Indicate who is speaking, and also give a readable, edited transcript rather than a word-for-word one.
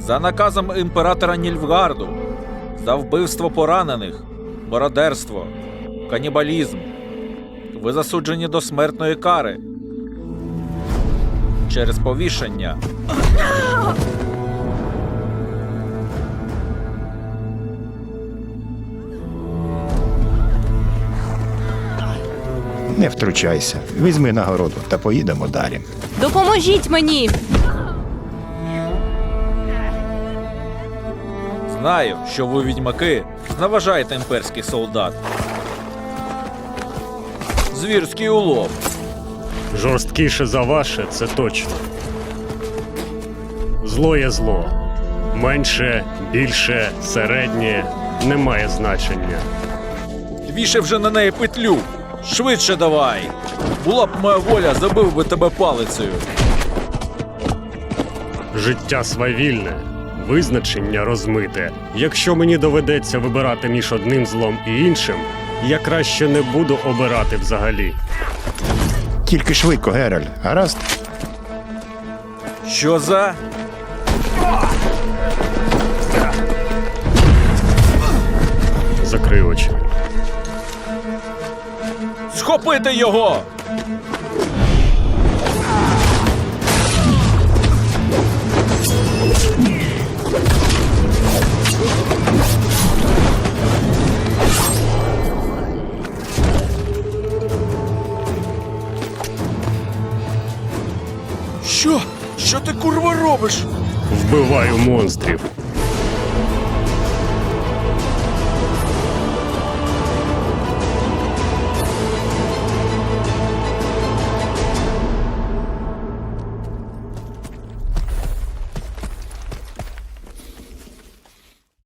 Speaker 1: За наказом імператора Нільфгарду, за вбивство поранених, мародерство, канібалізм, ви засуджені до смертної кари через повішення.
Speaker 2: Не втручайся. Візьми нагороду та поїдемо далі.
Speaker 3: Допоможіть мені!
Speaker 1: Знаю, що ви, відьмаки, зневажаєте імперський солдат. Звірський улов.
Speaker 4: Жорсткіше за ваше, це точно. Зло є зло. Менше, більше, середнє не має значення.
Speaker 1: Вішай вже на неї петлю. Швидше давай. Була б моя воля, забив би тебе палицею.
Speaker 4: Життя свавільне, визначення розмите. Якщо мені доведеться вибирати між одним злом і іншим, я краще не буду обирати взагалі.
Speaker 2: Тільки швидко, Геральт, гаразд?
Speaker 1: Що за?
Speaker 4: Закрий очі.
Speaker 1: Схопити його! Що? Що ти, курва, робиш?
Speaker 4: Вбиваю монстрів.